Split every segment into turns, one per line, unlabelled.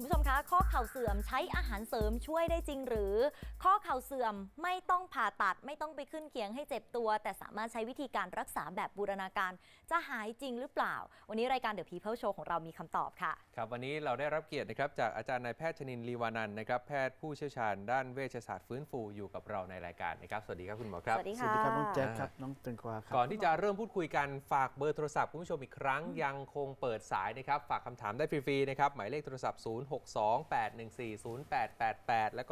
ผู้ชมคะข้อเข่าเสื่อมใช้อาหารเสริมช่วยได้จริงหรือข้อเข่าเสื่อมไม่ต้องผ่าตัดไม่ต้องไปขึ้นเคียงให้เจ็บตัวแต่สามารถใช้วิธีการรักษาแบบบูรณาการจะหายจริงหรือเปล่าวันนี้รายการ The People Show ของเรามีคำตอบค่ะ
ครับวันนี้เราได้รับเกียรตินะครับจากอาจารย์นายแพทย์ชนินทร์ลีวานันท์นะครับแพทย์ผู้เชี่ยวชาญด้านเวชศาสตร์ฟื้นฟูอยู่กับเราในรายการนะครับสวัสดีครับคุณหมอครับ
สวัสดี
สวัสดีครับน้องแจ็คครับ
อ่า
น้องตึงกวาครับ
ก่อนที่จะเริ่มพูดคุยกันฝากเบอร์โทรศัพท์คุณผู้ชมอีกครั้งยังคงเปิดสายนะครับฝากคำถามได้ฟรีๆนะครับหมายเลขโทรศัพท์ 0628140888 แล้วก็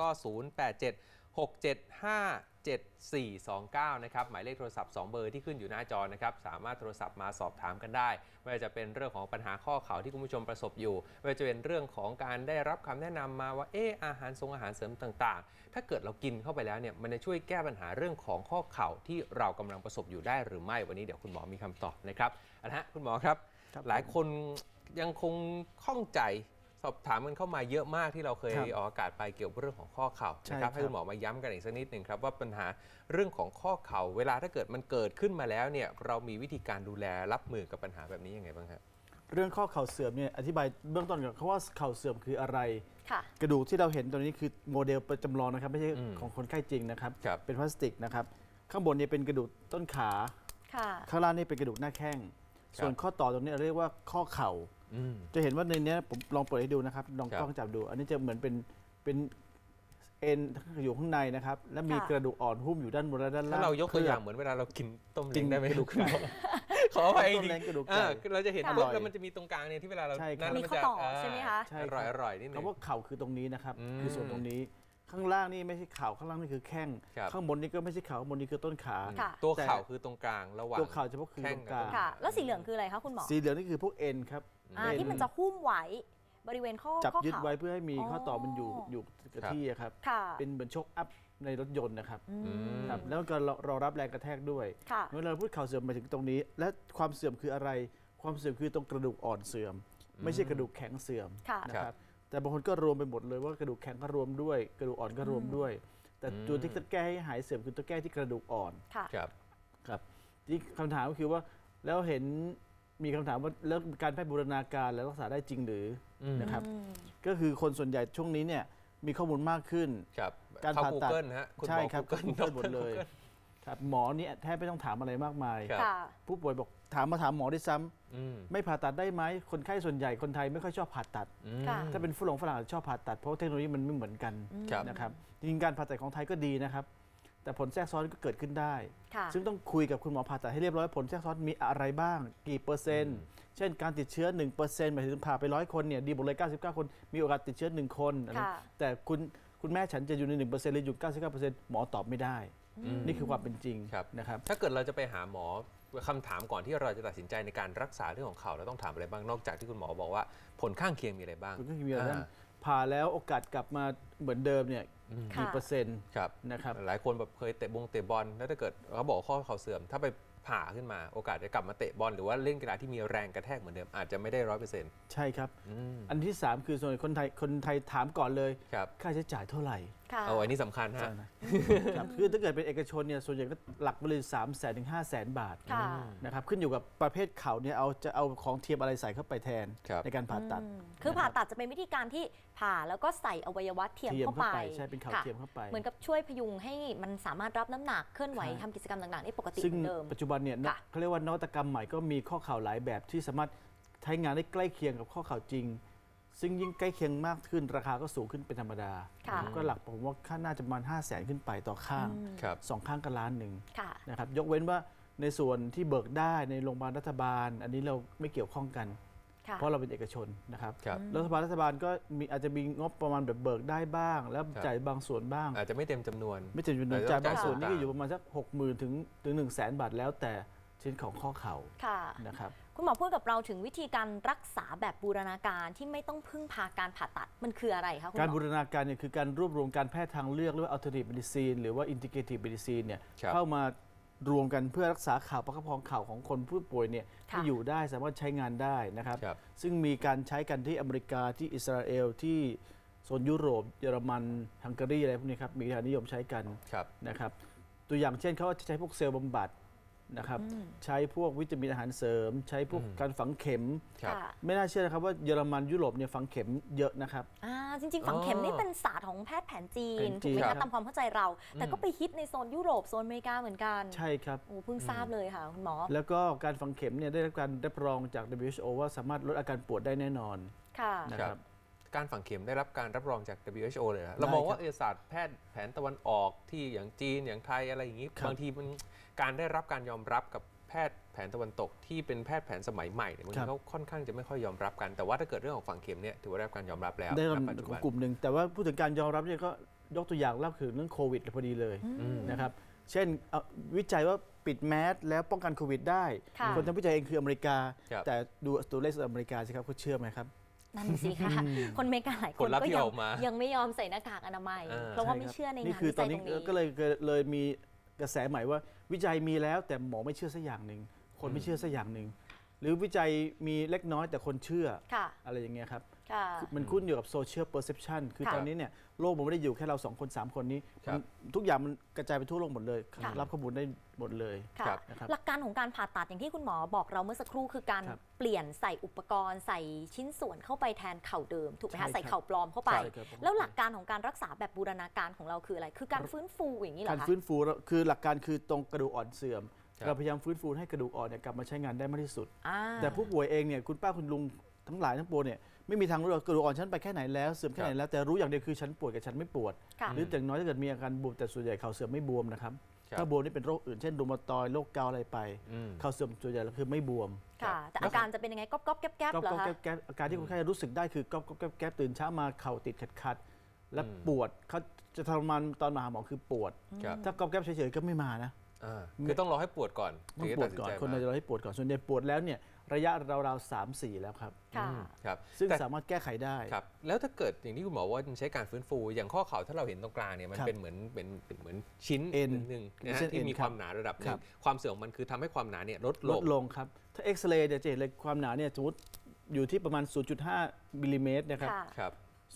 0876757429 นะครับหมายเลขโทรศัพท์2เบอร์ที่ขึ้นอยู่หน้าจอนะครับสามารถโทรศัพท์มาสอบถามกันได้ไม่ว่าจะเป็นเรื่องของปัญหาข้อเข่าที่คุณผู้ชมประสบอยู่ไม่ว่าจะเป็นเรื่องของการได้รับคำแนะนำมาว่าอาหารเสริมต่างๆถ้าเกิดเรากินเข้าไปแล้วเนี่ยมันจะช่วยแก้ปัญหาเรื่องของข้อเข่าที่เรากำลังประสบอยู่ได้หรือไม่วันนี้เดี๋ยวคุณหมอมีคำตอบนะครับคุณหมอครับหลายคนยังคงข้องใจสอบถามกันเข้ามาเยอะมากที่เราเคยออกอากาศไปเกี่ยวกับเรื่องของข้อเข่านะครับให้คุณหมอมาย้ำกันอีกสักนิดหนึ่งครับว่าปัญหาเรื่องของข้อเข่าเวลาถ้าเกิดมันเกิดขึ้นมาแล้วเนี่ยเรามีวิธีการดูแลรับมือกับปัญหาแบบนี้ยังไงบ้างครับ
เรื่องข้อเข่าเสื่อมเนี่ยอธิบายเบื้องต้นก่อนเขาว่าเข่าเสื่อมคืออะไร
ค่ะ
กระดูกที่เราเห็นตรงนี้คือโมเดลประจำลองนะครับไม่ใช่ของคนไข้จริงนะครับเป็นพลาสติกนะครับข้างบนเนี่ยเป็นกระดูกต้นขาข้างล่างนี่เป็นกระดูกหน้าแข้งส่วนข้อต่อตรงนี้เรียกว่าข้อเข่าจะเห็นว่าในนี้ผมลองเปิดให้ดูนะครับลองกล้องจับดูอันนี้จะเหมือนเป็นเอ็นอยู่ข้างในนะครับและมีกระดูกอ่อนหุ้มอยู่ด้านบนและด้านล่าง
ถ้าเรายกตัวอย่างเหมือนเวลาเรากินต้มเล้งได้ไหม
กระดูกไก่
ขออภัยจ
ต้ม
ริง
เล้งกระดูกไก่
เราจะเห็นปุ๊บแล้วมันจะมีตรงกลางเนี่ยที่เวลาเรานั่น
มี
มัน
ข้อ
จะ
ต่อใช่ไหมคะ
ใช่
อ
ครับ
ร่อยนิดนึง
คำว่าเข่าคือตรงนี้นะครับคือส่วนตรงนี้ข้างล่างนี่ไม่ใช่เข่าข้างล่างนี่คือแข้งข้างบนนี่ก็ไม่ใช่เข่าข้างบนนี่คือต้นขา
ตัวเข่าคือตรงกลางระหว่าง
ตัวเข่าเฉพาะคือตรงกลาง
ค่ะแล้วสีเหลืองคืออะไรคะคุณหมอ
สีเหลืองนี่คือพวกเอ็นครับ
ที่มันจะหุ้มไว้บริเวณข้อ
จับยึด
เข่า
ไว้เพื่อให้มีข้อต่อมันอยู่กับที่ครับเป็นเหมือนโชคอัพในรถยนต์นะครับครับแล้วก็รอรับแรงกระแทกด้วยเมื่อเราพูดเข่าเสื่อมมาถึงตรงนี้และความเสื่อมคืออะไรความเสื่อมคือตรงกระดูกอ่อนเสื่อมไม่ใช่กระดูกแข็งเสื่อมนะครับแต่บางคนก็รวมไปหมดเลยว่ากระดูกแข็งก็รวมด้วยกระดูกอ่อนก็รวมด้วยแต่ตัวที่จะแก้ให้หายเสื่อมคือตัวแก้ที่กระดูกอ่อนครับที่คำถามก็คือว่าแล้วเห็นมีคำถามว่าแล้วการแพทย์บูรณาการแล้วรักษาได้จริงหรือนะครับก็คือคนส่วนใหญ่ช่วงนี้เนี่ยมีข้อมูลมากขึ้น
การผ่าตัด
ใช่ครับก็Googleหมดเลยครับหมอนี่แทบไม่ต้องถามอะไรมากมายผู้ป่วยบอกถามหมอได้ซ้ำไม่ผ่าตัดได้ไหมคนไข้ส่วนใหญ่คนไทยไม่ค่อยชอบผ่าตัดถ้าเป็นฝรั่งชอบผ่าตัดเพราะเทคโนโลยีมันไม่เหมือนกันนะครับจริงๆการผ่าตัดของไทยก็ดีนะครับแต่ผลแทรกซ้อนก็เกิดขึ้นได้ซึ่งต้องคุยกับคุณหมอผ่าตัดให้เรียบร้อยผลแทรกซ้อนมีอะไรบ้างกี่เปอร์เซ็นต์เช่นการติดเชื้อ 1% หมายถึงผ่าไป100 คนเนี่ยดีหมดเลย99 คนมีโอกาสติดเชื้อ1 คนแต่คุณแม่ฉันจะอยู่ใน 1% หรืออยู่ 99% หมอตอบไม่ได้นี่คือความเป็นจริงนะครับ
ถ้าเกิดเราจะไปหาหมอคำถามก่อนที่เราจะตัดสินใจในการรักษาเรื่องของเข่าเราต้องถามอะไรบ้างนอกจากที่คุณหมอบอกว่าผลข้างเคียงมีอะไรบ้าง
ผลข้างเคียงมีอะไรบ้างผ่าแล้วโอกาสกลับมาเหมือนเดิมเนี่ยกี่เปอร์เซ็นต์นะครับ
หลายคนแบบเคยเตะบอลแล้วถ้าเกิดเขาบอกข้อเข่าเสื่อมถ้าไปผ่าขึ้นมาโอกาสจะกลับมาเตะบอลหรือว่าเล่นกีฬาที่มีแรงกระแทกเหมือนเดิมอาจจะไม่ได้100%
ใช่ครับอันที่3คือส่วนคนไทยถามก่อนเลยค่าใช้จ่ายเท่าไหร่
อันนี้สำคัญฮะ
คือถ้าเกิดเป็นเอกชนเนี่ยส่วนใหญ่ก็หลักไปเลย300,000 ถึง 500,000 บาทนะครับขึ้นอยู่กับประเภทเข่าเนี่ยจะเอาของเทียมอะไรใส่เข้าไปแทนในการผ่าตัด
คือผ่าตัดจะเป็นวิธีการที่ผ่าแล้วก็ใส่อวัยวะเทียมเข้าไป
ใช่เป็นเข่าเทียมเข้าไป
เหมือนกับช่วยพยุงให้มันสามารถรับน้ำหนักเคลื่อนไหวทำกิจกรรมต่างๆได้ปกติเหมือนเดิม
ปัจจุบันเนี่ยเขาเรียกว่านวัตกรรมใหม่ก็มีข้อเข่าหลายแบบที่สามารถใช้งานได้ใกล้เคียงกับข้อเข่าจริงซึ่งยิ่งใกล้เคียงมากขึ้นราคาก็สูงขึ้นเป็นธรรมดาก็หลักผมว่าค่าน่าจะประมาณ500,000 ขึ้นไปต่อข้าง2 ข้างก็1 ล้านนะครับยกเว้นว่าในส่วนที่เบิกได้ในโรงพยาบาลรัฐบาลอันนี้เราไม่เกี่ยวข้องกันเพราะเราเป็นเอกชนนะครับรัฐบาลก็อาจจะมีงบประมาณแบบเบิกได้บ้างแล้วจ่ายบางส่วนบ้าง
อาจจะไม่เต็มจำนวน
จ่ายบางส่วนนี่ก็อยู่ประมาณสัก60,000 ถึง 100,000 บาทแล้วแต่ชิ้นของข้อเข่านะครับ
คุณหมอพูดกับเราถึงวิธีการรักษาแบบบูรณาการที่ไม่ต้องพึ่งพาการผ่าตัดมันคืออะไรคะคุณหมอ
การบูรณาการเนี่ยคือการรวบรวมการแพทย์ทางเลือกหรือว่า alternative medicine หรือว่า integrative medicine เนี่ยเข้ามารวมกันเพื่อรักษาเข่าประคับประคองเข่าของคนผู้ป่วยเนี่ยที่อยู่ได้สามารถใช้งานได้นะครับซึ่งมีการใช้กันที่อเมริกาที่อิสราเอลที่โซนยุโรปเยอรมันฮังการีอะไรพวกนี้ครับมีการนิยมใช้กันนะครับตัวอย่างเช่นเขาจะใช้พวกเซลล์บำบัดนะครับใช้พวกวิตามินอาหารเสริม ใช้พวกการฝังเข็ม
ครับ
ค่ะ
ไม่น่าเชื่อนะครับว่าเยอรมันยุโรปเนี่ยฝังเข็มเยอะนะครับ
จริงๆ ฝังเข็มนี่เป็นศาสตร์ของแพทย์แผนจีน
แผนจี
ถูก
น
ไหม
ครั
คะ
บ
ตามความเข้าใจเรา แต่ก็ไปฮิตในโซนยุโรปโซนอเมริกาเหมือนกัน
ใช่ครับ
โอ้เพิ่งทราบเลยค่ะคุณหมอ
แล้วก็การฝังเข็มเนี่ยได้รับการรับรองจาก WHO ว่าสามารถลดอาการปวดได้แน่นอน
ค่ะ
นะครับ
การฝังเข็มได้รับการรับรองจาก WHO เลยนะเรามองว่าศาสตร์แพทย์แผนตะวันออกที่อย่างจีนอย่างไทยอะไรอย่างนี้
ครับ
บางทีมันการได้รับการยอมรับกับแพทย์แผนตะวันตกที่เป็นแพทย์แผนสมัยใหม่เนี่ยบางทีเขาค่อนข้างจะไม่ค่อยยอมรับกันแต่ว่าถ้าเกิดเรื่องของฝังเข็มเนี่ยถือว่าได้รับการยอมรับแล้ว
ได้
ณ
รับ
ปัจจุ
ขอ
บั
ง
น
กลุ่มหนึ่งแต่ว่าพูดถึงการยอมรับเนี่ยก็ยกตัวอย่างเล่าคือเรื่องโควิดพอดีเลยนะครับเช่นวิจัยว่าปิดแมสแล้วป้องกันโควิดได้
ค่ะ
คนทำวิจัยเองคืออเมริกา
ครับ
แต่ดูตัวเลขอเมริกาสิครับเขาเชื่อไหมครับ
นั่นสิคะคนอเมริกาหลายค
ผล
น
ลัพธ์
ก็
ที่
ยั
ออกมา
ยังไม่ยอมใส่หน้ากากอนามัย
อ่า
เพราะว่า
ใช่
ไม่
ครับ
เชื่อใน
นี่
งาน
คือ
วิ
ตอ
จั
น
ย
นี้
ตรงนี้
ก็เลยมีกระแสใหม่ว่าวิจัยมีแล้วแต่หมอไม่เชื่อสักอย่างหนึ่งคนไม่เชื่อสักอย่างหนึ่งหรือวิจัยมีเล็กน้อยแต่คนเชื่อ
ค่ะ
อะไรอย่างเงี้ยครับ
ค่ะ
มันขึ้นอยู่กับโซเชียลเพอร์เซพชันคือ
ค่ะ
ตอนนี้เนี่ยโลกมันไม่ได้อยู่แค่เรา2 คน 3 คนนี้
ครับ
ทุกอย่างมันกระจายไปทั่วโลกหมดเลย
ค่ะ
รับข้อมูลได้หมดเลย
ค่ะ
ครับ
นะครับ
หลักการของการผ่าตัดอย่างที่คุณหมอบอกเราเมื่อสักครู่คือการ
ครับ
เปลี่ยนใส่อุปกรณ์ใส่ชิ้นส่วนเข้าไปแทนเข่าเดิมถูกไหม
ใช่ครั
คะ
บ
ใส่เข่าปลอมเข้าไป
ใช่ครับ
แล้วหลักการของการรักษาแบบบูรณาการของเราคืออะไร คือการฟื้นฟูอย่างนี้เหร
การ
อคะ
ฟื้นฟูคือหลักการคือตรงกระดูกอ่อนเสื่อม
ครับ
เราพยายามฟื้นฟูให้กระดูกอ่อนเนี่ยกลับมาใช้งานได้มากที่สุด
อ่า
แต่ผู้ป่วยเองเนี่ยคุณป้าคุณลุงทั้งหลายทั้งปวงเนี่ยไม่มีทางรู้หรอกกระดูกอ่อนฉันไปแค่ไหนแล้วเสื่อมแค่ไหนแล้วแต่รู้อย่างเดียวคือฉันปวดกับฉันไม่ปวด
ค่ะ
หรืออย่างน้อยถ้าเกิดมีอาการบวมแต่ส่วนใหญ่เข่าเสื่อมไม่บวมนะครับ
ครับ
ถ้าบวมนี่เป็นโรคอื่นเช่นรูมาตอยด์โรคเกาต์อะไรไป
อืม
เข่าเสื่อมส่วนใหญ่แล้วคือไม่บวม
ค่ะ แต่อาการจะเป็นยังไงก๊อบๆแก๊บๆเหรอ
ก็
คะ
แก๊บอาการที่คนไข้รู้สึกได้คือก๊อบแก๊บตื่นเช้ามาเข่าติดขัดและ
อืม
ปวดเขาจะทรมานตอนมาหาหมอคือปวด
ครับ
ถ้าก๊อบแก๊บเฉยๆก็ไม่มานะ
คือต้องรอให้ปวดก่อน
ต้อง
ถึจะ
ปว
ตั
ด
สิ
ก่อน
ใจ
คน
มา
เราจะรอให้ปวดก่อนส่วนใหญ่ปวดแล้วเนี่ยระยะราวๆ3-4 แล้วครับ
ค่ะ
ครับ
ซึ่ง
แต่
สามารถแก้ไขได้
ครับแล้วถ้าเกิดอย่างที่คุณหมอว่ามันใช้การฟื้นฟูอย่างข้อเข่าถ้าเราเห็นตรงกลางเนี่ยมัน
ครับ
เป็นเหมือนชิ้น
เอ็น
หนึ่งนะ
เส้
ฮะ
นเอ็
ที่
น
มี
ค
ครับ วามหนาระดับห
ค
นึ่
รั
ง
บ
ความเสื่อมของมันคือทำให้ความหนาเนี่ยลด
ล
ล
ด
ง
ลงครับ ถ้าเอ็กซเรย์จะเห็นเลยความหนาเนี่ยสมมติอยู่ที่ประมาณ 0.5 มิลลิเมตรนะครับ
ค่ะ
ครับ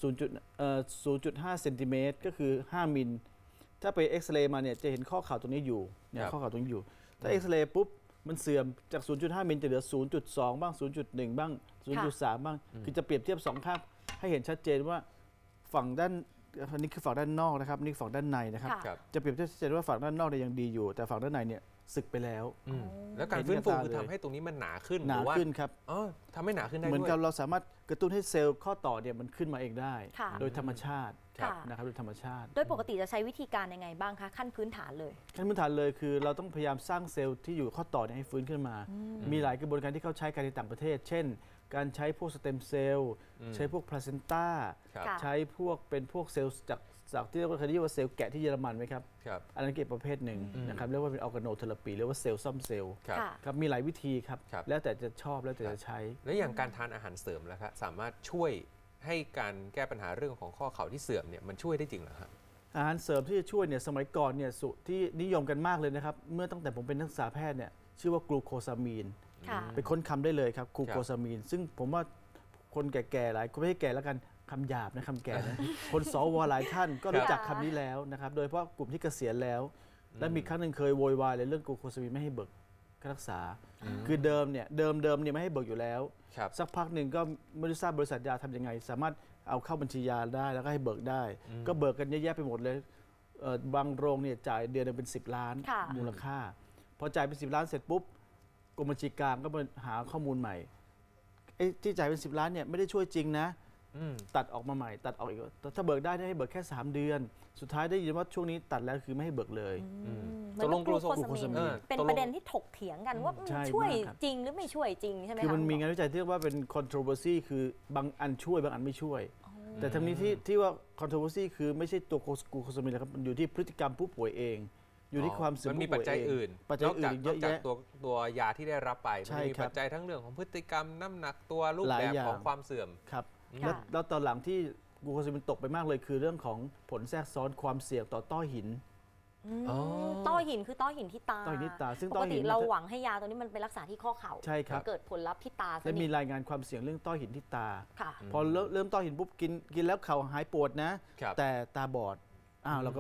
0.5 เซนติเมตรก็คือ 5 มิล ถ้าไปเอ็กซเรย์มาเนี่ยจะเห็นข้อเข่าตรงนี้อยู่เนี่ย
ครับ
ข้อเข่าตรงนี้อยู่ ถ้าเอ็กซเรย์ปุ๊บมันเสื่อมจาก 0.5 มิลจะเหลือ 0.2 บ้าง 0.1 บ้าง 0.3 บ้าง คือจะเปรียบเทียบ2ข้างให้เห็นชัดเจนว่าฝั่งด้านอันนี้คือฝั่งด้านนอกนะครับนี่ฝั่งด้านในนะครับ
ค่ะ
ครับ
จะเปรียบเทียบชัดเจนว่าฝั่งด้านนอกเนี่ยยังดีอยู่ แต่ฝั่งด้านในเนี่ยสึกไปแล้ว
อืมแล้วการ
เห็น
ฟื้นฟู
กับตา
คือ
เลย
ทำให้ตรงนี้มันหนาขึ้น
หนา
รือว่า
ขึ้นครับ
อ๋อทำให้หนาขึ้นได้
เหมือน
ด้วย
กับเราสามารถกระตุ้นให้เซลล์ข้อต่อเนี่ยมันขึ้นมาเองได้
ค่ะ
โดยธรรมชาติ
ค่ะ
นะครับโดยธรรมชาติ
โดยปกติจะใช้วิธีการยังไงบ้างคะ ขั้นพื้นฐานเลย
ขั้นพื้นฐานเลยคือเราต้องพยายามสร้างเซลล์ที่อยู่ข้อต่อเนี่ยให้ฟื้นขึ้นมา มีหลายกระบวนการที่เขาใช้กันในต่างประเทศ เช่น การใช้พวกสเต็มเซลล์ ใช้พวกพลาเซนต้า
ครับ
ค่ะ
ใช้พวกเป็นพวกเซลล์จากที่เราเคยเรียกว่าเซลล์แกะที่เยอรมันไหมครับ
ครับ
อันนั้นเก็บประเภทหนึ่งนะครับเรียกว่าเป็นออร์แกโนเทอราปีเรียกว่าเซลล์ซ่อมเซลล์
ครับ
ค่ะ
ครับมีหลายวิธีครับ
ครับ
แล้วแต่จะชอบแล้วแต่จะใช้
แล้วอย่างการทานอาหารเสริมแล้วครับสามารถช่วยให้การแก้ปัญหาเรื่องของข้อเข่าที่เสื่อมเนี่ยมันช่วยได้จริงเหรอครับ
อาหารเสริมที่จะช่วยเนี่ยสมัยก่อนเนี่ยที่นิยมกันมากเลยนะครับ เมื่อตั้งแต่ผมเป็นนักศึกษาแพทย์เนี่ยชื่อว่ากลูโคซามีน
ค่ะ
ไปค้นคำได้เลยครับกลูโคซามีน ซึ่งผมว่าคนแก่ๆหลายคนไม่ใช่แก่แล้วกันคำหยาบนะคำแก่นะ คนสวหลายท่านก็รู้จักคำนี้แล้วนะครับ โดยเฉพาะกลุ่มที่เกษียณแล้ว และมีครั้งหนึ่งเคยโวยวายเลยเรื่องกลูโคซามีนไม่ให้เบิกค่ารักษา คือเดิมเนี่ยไม่ให้เบิกอยู่แล้ว
ครับ
สักพักหนึ่งก็ไม่รู้ทราบบริษัทยาทำยังไง สามารถเอาเข้าบัญชียาได้แล้วก็ให้เบิกได้ ก็เบิกกันเยอะแยะไปหมดเลยบางโรงเนี่ยจ่ายเดือนหนึงเป็น10 ล้าน
ค่ะ
มูลค่า พอจ่ายเป็น10 ล้านเสร็จปุ๊บกรมบัญชีกลางก็มาหาข้อมูลใหม่ไอ้ที่จ่ายเป็น10 ล้านเนี่ยไม่ได้ช่วยจริงนะ
อืม
ตัดออกมาใหม่ตัดออกอีกถ้าเบิกได้ให้เบิกแค่3 เดือน สุดท้ายได้ยินว่าช่วงนี้ตัดแล้วคือไม่ให้เบิกเลย
เหมือนกับกลูโคซามีนเป็น
ตกลง
ประเด็นที่ถกเถียงกันว่ามัน
ใช่
ช่วย
มากครับ
จริงหรือไม่ช่วยจริงใช่ไหม
คือ
คะ
มันมี
ณห
งานวิจัยที่เรียกว่าเป็น controversy คือบางอันช่วยบางอันไม่ช่วย แต่ทั้งนี้ที่ว่า controversy คือไม่ใช่ตัวกลูโคซามีนนะครับมันอยู่ที่พฤติกรรมผู้ป่วยเอง อยู่ที่ความเสื่อม
มันมี
ผู้
ปัจ
ป่วย
จัย
เอง
อื่น
ปัจจัยอื่น
น
เย
อก
อะ
จาก
แยะ
ตัวยาที่ได้รับไป
ใช่
มันมี
ครับ
ปัจจัยทั้งเรื่องของพฤติกรรมน้ำหนักตัวรูป
หลาย
แบบ
อย่าง
ของความเสื่อม
ครับ
ค่ะ
แล้วตอนหลังที่กลูโคซามีนตกไปมากเลยคือเรื่องของผลแทรกซ้อนความเสี่ยงต่อต้อหิน
อ๋อ
ต้อหินคือต้อหินที่ตา
ต้อหินที่ตาซึ่ง
ป
ต้
ก
อหิ
ติ
น
เราหวังให้ยาตัวนี้มันไปรักษาที่ข้อเข่า
ใช่ครับ
เกิดผลลัพธ์ที่ตาซะ
และมี
นี่
รายงานความเสี่ยงเรื่องต้อหินที่ตา
ค่ะ
พอเริ่มต้อหินปุ๊บกินแล้วเข่าหายปวดนะ
ครับ
แต่ตาบอดเราก็ไป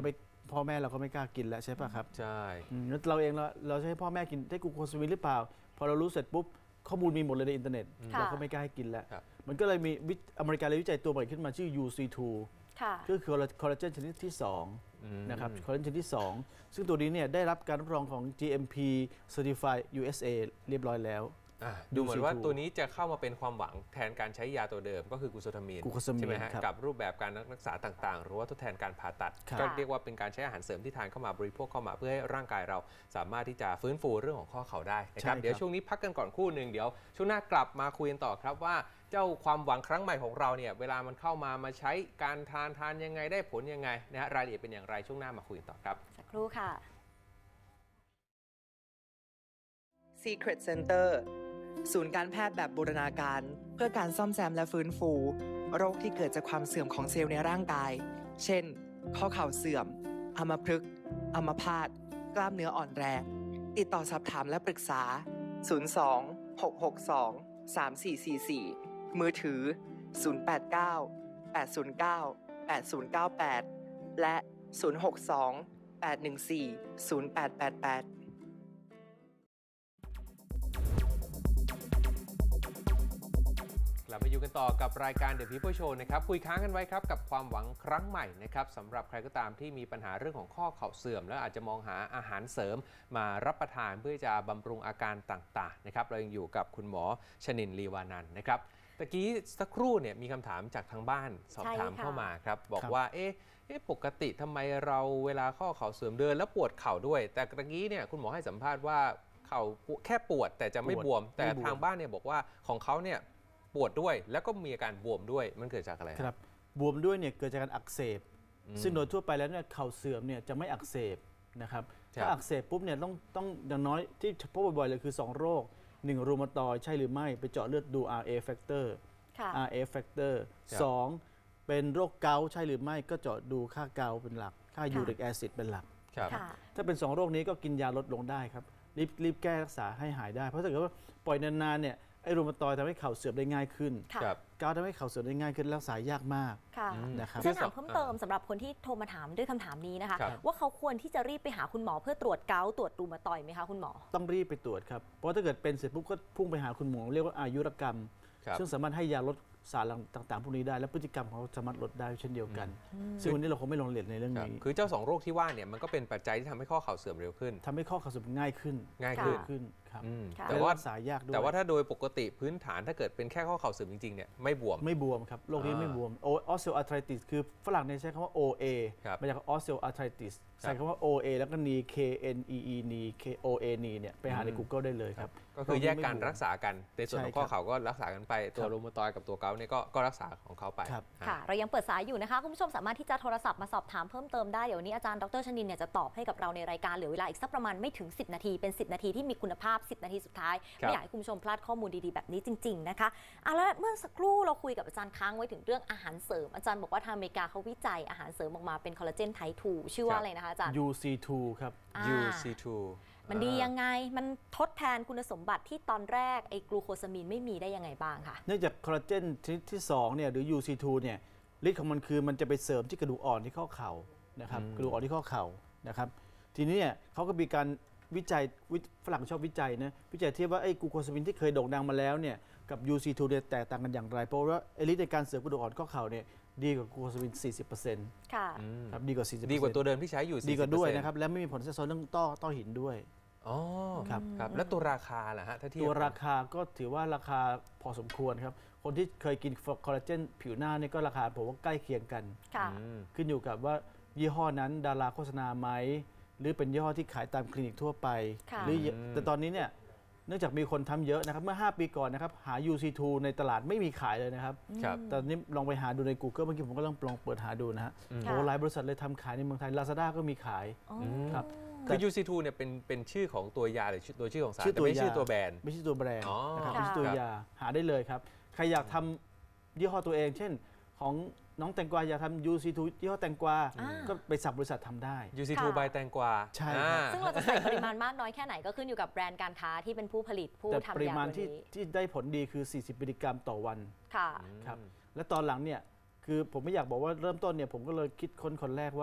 พ่อแม่เราก็ไม่กล้ากินแล้วใช่ป่ะครับ
ใช่
แล้วเราเองเราจะให้พ่อแม่กินได้กลูโคซามินหรือเปล่า พอเรารู้เสร็จปุ๊บข้อมูลมีหมดเลยในอินเทอร์เน็ต
ค่ะ
เราก็ไม่กล้าให้กินแล้ว
ครับ
มันก็เลยมีอเมริกาเลยวิจัยตัวใหม่ขึ้นมาชื่อ UC2
ค่ะ
ก็คือคอลลาเจนชนิดที่2นะครับคอลลาเจนชนิดที่ 2 ซึ่งตัวนี้เนี่ยได้รับการรับรองของ GMP Certified USA เรียบร้อยแล้ว
ดูเหมือน
UC2
ว่าตัวนี้จะเข้ามาเป็นความหวังแทนการใช้ยาตัวเดิมก็คือกูโซทามีน
กลูโคซามิน
ใช่ไหมฮะ
ครับ
กับรูปแบบการรักษาต่างๆ หรือว่าทดแทนการผ่าตัด
ครับ
ก็เรียกว่าเป็นการใช้อาหารเสริมที่ทานเข้ามาบริโภคเข้ามาเพื่อให้ร่างกายเราสามารถที่จะฟื้นฟูเรื่องของข้อเข่าได้นะครับเดี๋ยวช่วงนี้พักกันก่อนครู่หนึ่งเดี๋ยวช่วงหน้ากลับมาคุยกันต่อครับว่าเจ้าความหวังครั้งใหม่ของเราเนี่ยเวลามันเข้ามาใช้การทานยังไงได้ผลยังไงนะฮะรายละเอียดเป็นอย่างไรช่วงหน้ามาคุยกันต่อครับ
สักครู่ค่ะ
Secret Center ศูนย์การแพทย์แบบบูรณาการเพื่อการซ่อมแซมและฟื้นฟู โรคที่เกิดจากความเสื่อมของเซลล์ในร่างกาย เช่น ข้อเข่าเสื่อม อัมพฤกษ์อัมพาตกล้ามเนื้ออ่อนแรง ติดต่อสอบถามและปรึกษา 02-662-3444 มือถือ 089-809-8098 และ 062-814-0888
กลับมาอยู่กันต่อกับรายการ The People Show นะครับคุยค้างกันไว้ครับกับความหวังครั้งใหม่นะครับสำหรับใครก็ตามที่มีปัญหาเรื่องของข้อเข่าเสื่อม แล้วอาจจะมองหาอาหารเสริมมารับประทานเพื่อจะบำรุงอาการต่างๆนะครับเรายังอยู่กับคุณหมอชนินทร์ลีวานันท์นะครับตะกี้สักครู่เนี่ยมีคำถามจากทางบ้านสอบถาม
ใช่ค่ะ
เข้ามาครับบอกว่าปกติทำไมเราเวลาข้อเข่าเสื่อมเดินแล้วปวดเข่าด้วย แต่ตะกี้เนี่ยคุณหมอให้สัมภาษณ์ว่าเข่าแค่ปวดแต่จะไม่บวม แต่ทางบ้านเนี่ยบอกว่าของเขาเนี่ยปวดด้วยแล้วก็มีอาการบวมด้วยมันเกิดจากอะไร
ครับบวมด้วยเนี่ยเกิดจากการอักเสบ ซึ่งโดยทั่วไปแล้วเนี่ยเข่าเสื่อมเนี่ยจะไม่อักเสบนะครับถ้าอักเสบปุ๊บเนี่ยต้องอย่างน้อยที่พบบ่อยๆเลยคือ 2 โรค 1 รูมาตอยด์ใช่หรือไม่ไปเจาะเลือดดู RA factor
ค่ะ
RA factor 2 เป็นโรคเกาต์ใช่หรือไม่ก็เจาะดูค่าเกาต์เป็นหลัก ค่ายูริกแอซิดเป็นหลัก
ครับ
ค่ะ
ถ้าเป็น 2 โรคนี้ก็กินยาลดลงได้ครับรีบแก้รักษาให้หายได้ เพราะถ้าเกิดว่าปล่อยนานๆเนี่ยไอ้รูมาตอยด์ทำให้เข่าเสื่อมได้ง่ายขึ้น
ค่ะ
ครับ
เกาต์ทำให้เข่าเสื่อมได้ง่ายขึ้นรักษายากมาก
ค่ะ
นะครับ
จะถามเพิ่มเติมสำหรับคนที่โทรมาถามด้วยคำถามนี้นะคะ
ครับ
ว่าเขาควรที่จะรีบไปหาคุณหมอเพื่อตรวจเกาต์ตรวจรูมาตอยด์ไหมคะคุณหมอ
ต้องรีบไปตรวจครับ เพราะถ้าเกิดเป็นเสร็จปุ๊บก็พุ่งไปหาคุณหมอเรียกว่าอายุรกรรม
ครับ
ซึ่งสามารถให้ยาลดสารต่างๆพวกนี้ได้ และพฤติกรรมของเขาสามารถลดได้เช่นเดียวกัน ซึ่งวันนี้เราคงไม่ลงรายละเอียดในเรื่อง
ครับ
นี้
คือเจ้า2โรคที่ว่าเนี่ยมันก็เป็นปัจจัยที่ทำให้ข้อเข่าเสื่อมเร็วขึ้น
ทำให้ข้อเข่าเสื่อมง่ายขึ้น
ง่าย
ค่ะ
ขึ้น
ขึ้นครับ
ค่ะ
แต่
และ
ว่า
รักษายากด้วย
แต่ว่าถ้าโดยปกติพื้นฐานถ้าเกิดเป็นแค่ข้อเข่าเสื่อมจริงๆเนี่ยไม่บวม
ไม่บวมครับโรคนี้ไม่บวมออสเซลอาร์ไทติสคือฝรั่งเนี่ยใช้คำว่า OA
ครับ
มาจากออสเซลอาร์ไทติสใส่คำว่า OA แล้วก็ knee KNEE knee KOA knee เนี่ยไปหาใน Google ได้เลยครับ
ก็คือแยกการรักษากันในส่วนของข้อ
ใช่ครับ
เข่าก็รักษากันไปตัว
ครับ
รูมาตอยด์กับตัวเกาต์เนี่ยก็รักษาของเขาไป
ครับ
อ่า
ค่ะ เรายังเปิดสายอยู่นะคะ คุณผู้ชมสามารถที่จะโทรศัพท์มาสอบถามเพิ่มเติมได้ เดี๋ยววนนี้อาจารย์ดรชนินเนี่ยจะตอบให้กับเราในรายการเหลือเวลาอีกสักประมาณไม่ถึง 10 นาที เป็น 10 นาทีที่มีคุณภาพ 10 นาทีสุดท้าย
ครับ
ไม่อยากให้คุณผู้ชมพลาดข้อมูลดีๆแบบนี้จริงๆนะคะแล้วเมื่อสักครู่เราคุยกับอาจารย์ค้างไว้ถึงเรื่องอาหารเสริม อาจารย์บอกว่าทางอเมริกาเขาวิจัยอาหารเสริมออกมาเป็นคอลลาเจนไทป์ 2 ชื่อว่าอะไรนะคะอาจารย์
UC2 ครับ
UC2
มันดียังไง มันทดแทนคุณสมบัติที่ตอนแรกไอ้กลูโคซามีนไม่มีได้ยังไงบ้างคะ
เนื่องจากคอลลาเจนชนิดที่2เนี่ยหรือ UC2 เนี่ยฤทธิ์ของมันคือมันจะไปเสริมที่กระดูกอ่อนที่ข้อเข่านะครับกระดูกอ่อนที่ข้อเข่านะครับทีนี้เนี่ยเขาก็มีการวิจัยฝรั่งชอบวิจัยนะวิจัยเทียบว่าไอ้กลูโคซามินที่เคยโด่งดังมาแล้วเนี่ยกับ UC2 เนี่ยแตกต่างกันอย่างไร เพราะว่าไอ้ฤทธิ์ในการเสริมกระดูกอ่อนข้อเข่าเนี่ยดีกว่ากลูโคซามิน 40%
ค่ะ
ครับดีกว่า 40%
ดีกว่าตัวเดิมที่ใช้อยู่
ดีกว่าด้วย
40%
นะครับและไม่มีผลแทรกซ้อนเรื่องต้อหินด้วย
อ๋อ
ครับ
ครับแล้วตัวราคาล่ะฮะถ้าเทียบ
ตัวราคาก็ถือว่าราคาพอสมควรครับคนที่เคยกินคอลลาเจนผิวหน้าเนี่ยก็ราคาผมว่าใกล้เคียงกัน
ค่ะ
ขึ้นอยู่กับว่ายี่ห้อนั้นดาราโฆษณาไหมหรือเป็นยี่ห้อที่ขายตามคลินิกทั่วไป
ค่ะ
หรือแต่ตอนนี้เนี่ยเนื่องจากมีคนทำเยอะนะครับเมื่อ 5 ปีก่อนนะครับหา UC2 ในตลาดไม่มีขายเลยนะครับ
ครับ
ตอนนี้ลองไปหาดูใน Google เมื่อกี้ผมก็ลองเปิดหาดูนะฮะ
ค่ะ
โอ้หลายบริษัทเลยทำขายในเมืองไทย Lazada ก็มีขาย
อ๋อ
ครับ
คือ UC2 เนี่ยเป็นชื่อของตัวยาหรือตัวชื่อของสาร
ชื่อ
แต่
ตัว
ไม่
ยา
ชื่อตัวแบรนด์
ไม่ใช่ตัวแบรนด์
อ๋อ
นะครับ
ค่ะ
ไม่ใช่ตัวยาหาได้เลยครับใครอยากทำยี่ห้อตัวเอง เช่นของน้องแตงกวาอยากทำ UC2 ยี่ห้อแตงกวา
อ่า
ก็ไปสับบริษัททำได้
UC2
ค่ะ
ใบแตงกวา
ใช่ครับ
ซึ่งเราจะใส่ปริมาณมากน้อยแค่ไหนก็ขึ้นอยู่กับแบรนด์การค้าที่เป็นผู้ผลิตผู้
แต่
ทำ
ปริ
ยา
มาณ
ตัว
ที่
นี้
ที่ได้ผลดีคือ 40 มิลลิกรัมต่อวัน
ค่ะ
ครับและตอนหลังเนี่ยคือผมไม่อยากบอกว่าเริ่มต้นเนี่ยผมก็เลยคิดค้นคนแรกว่า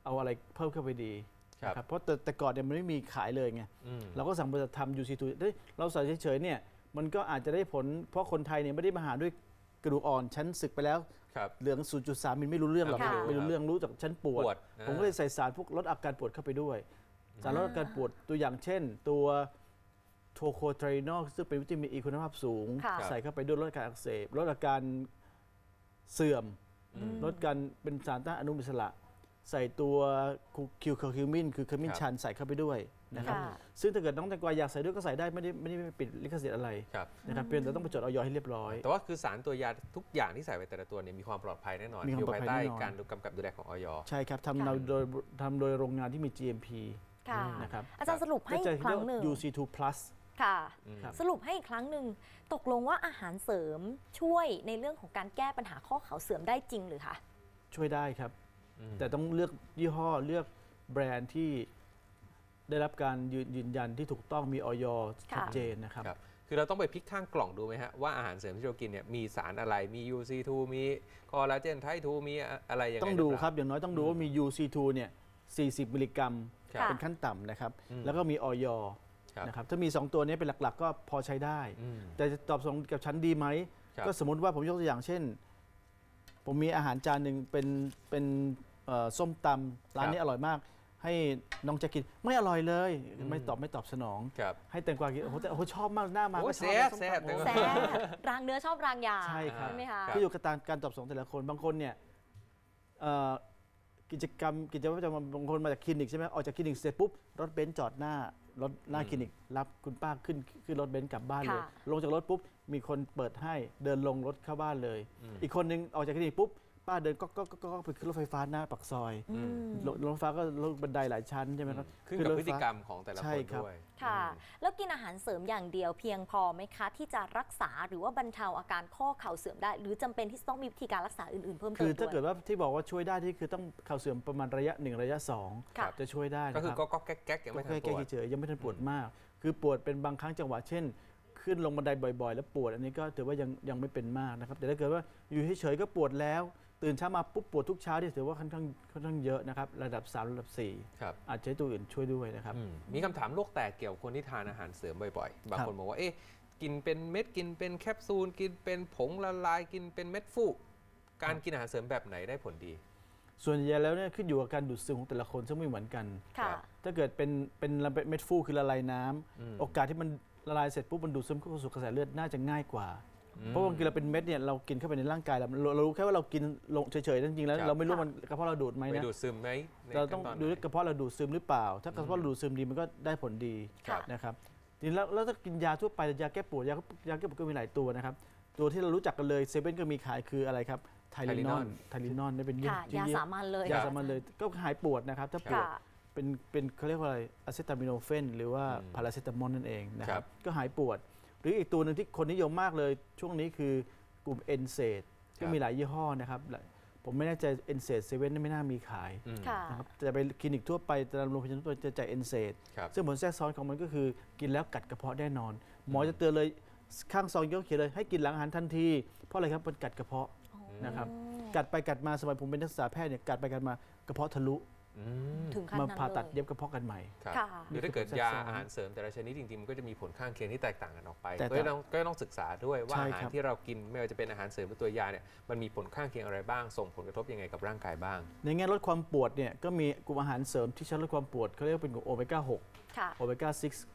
เอาอะไรเพิ่มเข้าไปดี
ครับ
นะครับเพราะแต่ก่อนเนี่ยมันไม่มีขายเลยไง
อืม
เราก็สั่งบริษัททำ UC2 เฮ้ยเราใส่เฉยๆเนี่ยมันก็อาจจะได้ผลเพราะคนไทยเนี่ยไม่ได้มาหาด้วยกระดูกอ่อนชั้นศึกไปแล้ว
ครับ
เหลือง 0.3 มิลไม่รู้เรื่องหรอก
ค่ะ
ไม่รู้เรื่องรู้จากชั้นปวด
ปวด
ผมก็เลยใส่สารพวกลดอาการปวดเข้าไปด้วย สารลดอาการปวดตัวอย่างเช่น ตัวโทโคไทรนอลซึ่งเป็นวิตามินอีคุณภาพสูง
ค่ะ
ใส่เข้าไปด้วยลดอาการอักเสบลดอาการเสื่อม ลดการเป็นสารต้านอนุมูลอิสระ ใส่ตัวคิวคิวมินคือขมิ้นชันใส่เข้าไปด้วยนะครับ
ค่ะ
ซึ่งถ้าเกิดน้องแตงกวาอยากใส่ด้วยก็ใส่ได้ไม่ได้ปิดลิขสิทธิ์อะไร
ครับ
นะครับเพียงแต่ต้องไปจดออยให้เรียบร้อย
แต่ว่าคือสารตัวยาทุกอย่างที่ใส่ไปแต่ละตัวเนี่ยมีความปลอดภัยแน่นอน
มีความปลอดภัย
ภายใต้
แน่นอน
การกำกับดูแลของอย
ใช่ครับ
ค่ะ
ทำโดยโรงงานที่มี GMP
ค่ะ
นะครับ
อาจารย์สรุปให้
ก็จะ
อีกครั้งหนึ่ง
เรียกว่า UC2 plus
ค่ะ
ครับ
สรุปให้อีกครั้งหนึ่งตกลงว่าอาหารเสริมช่วยในเรื่องของการแก้ปัญหาข้อเข่าเสื่อมได้จริงหรือคะ
ช่วยได้ครับ
อืม
แต่ต้องเลือกยี่ห้อเลือกแบรนด์ที่ได้รับการยืนยันที่ถูกต้องมีออยชัดเจนนะครับ
ครับ คือเราต้องไปพลิกข้างกล่องดูไหมฮะว่าอาหารเสริมที่เรากินเนี่ยมีสารอะไรมี UC2 มีคอลลาเจนไทป์2มีอะไรยังไง
ต้องดู
หอเปล่า
ครับ อย่างน้อยต้องดูว่ามี UC2 เนี่ย 40 มิลลิกรัม
ครับ
เป็นขั้นต่ำนะครับ
อืม
แล้วก็มีออย
ครับ
นะครับ ถ้ามี 2 ตัวนี้เป็นหลักๆ ก็พอใช้ได้
อืม
แต่จะตอบสนองกับฉันดีไหม
ครับ
ก็สมมติว่าผมยกตัวอย่างเช่น ผมมีอาหารจานหนึ่งเป็นส้มตำร้านนี้อร่อยมาก ให้น้องแจะกินไม่อร่อยเลย ไม่ตอบสนอง
ครับ
ให้แตงกวากินโอ้โหแต่โอ้โหชอบมากหน้ามา
โอ้
ก็ชอบ
แซ่บ
ส้ม
แซ่บ
ตำโอ้โห
แซ่
แซ่บรางเนื้อชอบรางยา
ใช่ครับ
ใช่ไหมคะ
ขึ้นอยู่กับการตอบสนองแต่ละคนบางคนเนี่ยเอ่อกิจวัตรประจำวันบางคนมาจากคลินิกใช่ไหมออกจากคลินิกเสร็จปุ๊บรถเบนซ์จอดหน้าคลินิกรับคุณป้าขึ้นรถเบนซ์กลับบ้านเลย
ค่ะ
ลงจากรถปุ๊บมีคนเปิดให้เดินลงรถเข้าบ้านเลย
อืม
อีกคนนึงออกจากคลินิกปุ๊บป้าเดินก็ไปขึ้นรถไฟฟ้าหน้าปากซอย
อืม
รถไฟฟ้าก็ลงบันไดหลายชั้นใช่ไหมครับ
ขึ้นกับ
รถ
พ
ไฟ
ฤติ
ฟ้าก
รรมของแต่ละ
ใช่
คน
ครับ
ด้วย
ค่ะ
อืม
แล้วกินอาหารเสริมอย่างเดียวเพียงพอไหมคะ ที่จะรักษาหรือว่าบรรเทาอาการข้อเข่าเสื่อมได้ หรือจำเป็นที่จะต้องมีวิธีการรักษาอื่นๆเพิ่มเติ
คือ
ม
ถ้า
ด้
เกิ
วย
ดว่าที่บอกว่าช่วยได้ที่คือต้องเข่าเสื่อมประมาณระยะ 1 ระยะ
ค่ะ
2 จะช่วยได้
ก็
นะ
คื
ค
อ
รับ
ก็แก๊กๆยังไม่ทันป
แก้
วด
เฉยๆยังไม่ทันปวดมาก คือปวดเป็นบางครั้งจังหวะเช่น ขึ้นลงบันไดบ่อยๆ แล้วปวดอันนี้ก็ถือว่ายังไม่เป็นมากนะครับแต่ถ้าเกิดว่าอยู่เฉยๆก็ปวดแล้วตื่นเช้ามาปุ๊บปวดทุกเช้าที่ถือว่าค่อนข้างเยอะนะครับระดับ 3 ระดับ
ครับ
4 อาจจะใช้ตัวอื่นช่วยด้วยนะครับ
มีคำถามโลกแตกเกี่ยวกับคนที่ทานอาหารเสริมบ่อยๆ บาง
ครับ
คนบอกว่า เอ๊ะ กินเป็นเม็ด กินเป็นแคปซูล กินเป็นผงละลาย กินเป็นเม็ดฟู การกินอาหารเสริมแบบไหนได้ผลดี
ส่วนใหญ่แล้วเนี่ยขึ้นอยู่กับการดูดซึมของแต่ละคนซึ่งไม่เหมือนกัน
ค่ะ
ถ้าเกิดเป็นเม็ดฟูคือละลายน้ำ
อืม
โอกาสที่มันละลายเสร็จปุ๊บมันดูดซึมเข้าสู่กระแสเลือดน่าจะง่ายกว่า เพราะบางทีเราเป็นเม็ดเนี่ยเรากินเข้าไปในร่างกายเรารู้แค่ว่าเรากินลงเฉยๆจริงๆแล้ว
ครับ
เราไม่รู้มันกระเพาะเราดูดไหม
ไม่
นะ
ดูดซึมไหมใน
เราต้อง
ขั้นน
ดู
ไหน
ว่ากระเพาะเราดูดซึมหรือเปล่า ถ้ากระเพาะเราดูดซึมดีมันก็ได้ผลดี
ครับ
นะครับทีนี้แล้วถ้ากินยาทั่วไปยาแก้ปวดยาแก้ปวดก็มีหลายตัวนะครับตัวที่เรารู้จักกันเลยเซเว่นก็มีขายคืออะไรครับไทลินอนนี่เป็น
ค่ะ ยาสามัญเลย
ยาสามัญเลยก็หายปวดนะครับถ้าปวด
ค่ะ
เป็นเขาเรียกว่าอะไรอะเซตามิโนเฟนหรือว่า
อืม
พาราเซตามอลนั่นเองนะค
ครั
รับบ ก็หายปวด หรืออีกตัวหนึ่งที่คนนิยมมากเลยช่วงนี้คือกลุ่มเอนเซดก็มีหลายยี่ห้อนะครับผมไม่แน่ใจเอนเซดเซเว่นไม่น่ามีขาย
อืม
ค่ะ
นะครับแต่ไปคลินิกทั่วไปตามโรงพยาบาลทั่วไปจะจ่ายเอนเซด
ครับ
ซึ่งผลแทรกซ้อนของมันก็คือกินแล้วกัดกระเพาะแน่นอน หมอจะเตือนเลยข้างซองก็เขียนเลยให้กินหลังอาหารทันทีเพราะอะไรครับมันกัดกระเพาะนะครับกัดไปกัดมาสมัยผมเป็นนักศึกษาแพทย์เนี่ยกัดไปกัดมากระเพาะทะลุ
อืม
ถึงขั้น
มา
นั้น
ผ่าตัด
เลย
เย็บกระเพาะกันใหม่
ครับ
ค่ะ
คือถ้าเกิด
นี่คือย
า
ผลแทรกซ้อน
อาหารเสริมแต่ละชนิดจริงๆมันก็จะมีผลข้างเคียงที่แตกต่างกันออกไป
แตก
ก็
ต่าง
ต้องศึกษาด้วยว่า
ใช่
อาหาร
ครับ
ที่เรากินไม่ว่าจะเป็นอาหารเสริมหรือตัวยาเนี่ยมันมีผลข้างเคียงอะไรบ้าง ส่งผลกระทบยังไงกับร่างกายบ้าง
ในแง่ลดความปวดเนี่ยก็มีกลุ่มอาหารเสริมที่ใช้ลดความปวดเขาเรียกว่าเป็นกลุ่มโอเมก้า
ค่ะ
6 โอเมก้า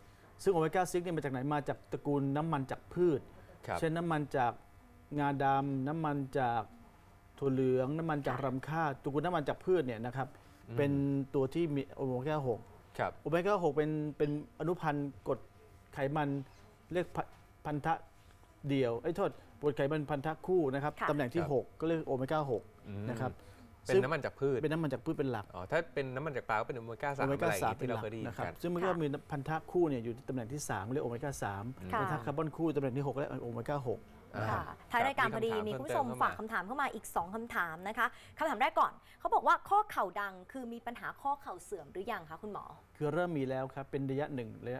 6 ซึ่งโอเมก้า 6 เนี่ยมาจากไหนมาจากตระกูลน้ำมันจากพืช
ครับ
เช่นน้ำมันจากงาดำน้ำมันจากถั่วเหลืองน้ำมันจากรำข้าวตระกูลน้ำมันจากพืชเนี่ยนะครับเป็นตัวที่มีโอเมก้า 6
ครับ
โอเมก้า 6 เป็นอนุพันธ์กรดไขมันเรียกพันธะเดี่ยวโทษกรดไขมันพันธะคู่นะครับ
ค่ะ
ตำแหน่งที่
ครับ
6 ก็เรียกโอเมก้า 6 นะครับ
เป็นน้ำมันจากพืช
เป็นน้ำมันจากพืชเป็นหลัก
อ๋อถ้าเป็นน้ำมันจากปลาก็เป็นโอเมก้า
โอ
3
เม
อะไร
ก้า
อย่าง
3
งี้
เป็น
ที่
ห
เรา
ลัก
เคยได้ยิน
นะครับ
กัน
ซึ่งมันก็มีพันธะคู่เนี่ยอยู่ที่ตำแหน่งที่3เรียกโอเมก้า 3
ค่ะ
พันธะคาร์บอนคู่ตำแหน่งที่ 6 และโอเมก้า
ค่ะท้ายรายการพอดีมีคุณผู้ชมฝากคำถามเข้ามาอีก 2คำถามนะคะคำถามแรกก่อนเขาบอกว่าข้อเข่าดังคือมีปัญหาข้อเข่าเสื่อมหรือยังคะคุณหมอ
6 คือเริ่มมีแล้วครับ เป็นระยะ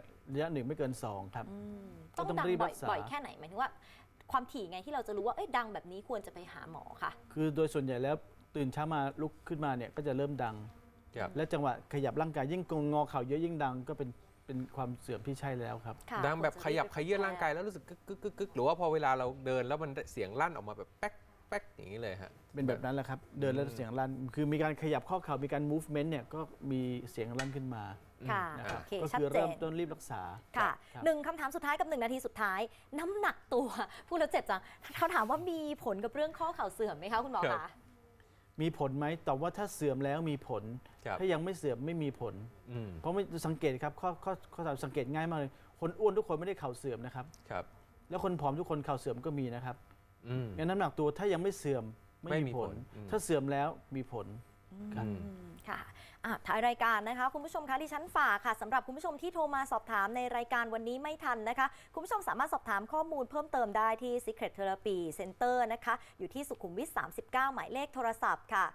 1ไม่เกิน 2 ครับ
ต้อง
ต้อง
ดัง
รีบ
บ่
รักษา
อยๆแค่ไหนหมายถึงว่าความถี่ไงที่เราจะรู้ว่าเอ้ยดังแบบนี้ควรจะไปหาหมอค่ะ
คือโดยส่วนใหญ่แล้วตื่นเช้ามาลุกขึ้นมาเนี่ยก็จะเริ่มดัง
ครับ
และจังหวะขยับร่างกายยิ่งงอเข่าเยอะยิ่งดังก็เป็นความเสื่อมที่ใช่แล้วครับ
ค่ะ
ดังแบบขยับขยื่นร่างกายแล้วรู้สึกกึกกึกกึกกึกหรือว่าพอเวลาเราเดินแล้วมันเสียงลั่นออกมาแบบแป๊กแป๊กอย่างนี้เลยฮะ
เป็นแบบนั้นแหละครับเดินแล้วเสียงลั่นคือมีการขยับข้อเข่ามีการ movement เนี่ยก็มีเสียงลั่นขึ้นมา
ค่ะ
นะครับ
โอเค
ก็
ชัด
คือ
เจ
เริ่ม
น
ต้นรีบรักษา
ค่ะ
รับ
หนึ่งคำถามสุดท้ายกับ1 นาทีสุดท้าย น้ำหนักตัวพูดแล้วเจ็บจังเขาถามว่ามีผลกับเรื่องข้อเข่าเสื่อมไหมคะคุณหมอ
ครั
คะ
บ
มีผลไหมตอบว่าถ้าเสื่อมแล้วมีผล
ครับ
ถ้ายังไม่เสื่อมไม่มีผล
อืม
เพราะไม่สังเกตครับข้อสังเกตง่ายมากเลยคนอ้วนทุกคนไม่ได้เข่าเสื่อมนะครับ
ครับ
แล้วคนผอมทุกคนเข่าเสื่อมก็มีนะครับ
อืม
งั้นน้ำหนักตัวถ้ายังไม่เสื่อม
ไม่
ไม่
มี
มี
ผ
ผ
ล
ล
อืม
ถ้าเสื่อมแล้วมีผล ครับ
ค่ะท้ายรายการนะคะคุณผู้ชมคะดิฉันฝากค่ะสำหรับคุณผู้ชมที่โทรมาสอบถามในรายการวันนี้ไม่ทันนะคะคุณผู้ชมสามารถสอบถามข้อมูลเพิ่มเติมได้ที่ Secret Therapy Center นะคะอยู่ที่สุขุมวิท 39 หมายเลขโทรศัพท์ค่ะ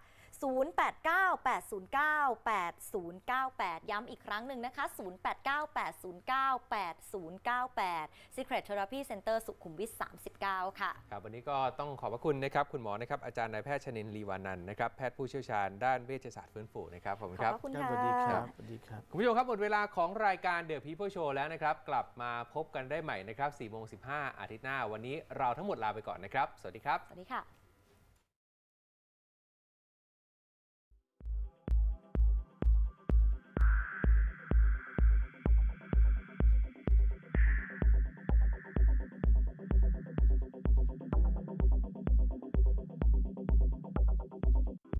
0898098098 ย้ำอีกครั้งหนึ่งนะคะ 0898098098 Secret Therapy Center สุขุมวิท 39 ค่ะ
ครับวันนี้ก็ต้องขอบพระคุณนะครับคุณหมอนะครับอาจารย์นายแพทย์ชนินทร์ลีวานันท์นะครับแพทย์ผู้เชี่ยวชาญด้านเวชศาสตร์ฟื้นฟูนะครับขอบคุณ
ข
ค
อบ
รับ
พระคุณ
ครับ
ค่ะ
สวัสดีครับสวัสดีครับ
คุณผู้ชมครับหมดเวลาของรายการ The People Show แล้วนะครับกลับมาพบกันได้ใหม่นะครับ 4:15 อาทิตย์หน้าวันนี้เราทั้งหมดลาไปก่อนนะครับสวัสดีครับ
สวัสดีค่ะ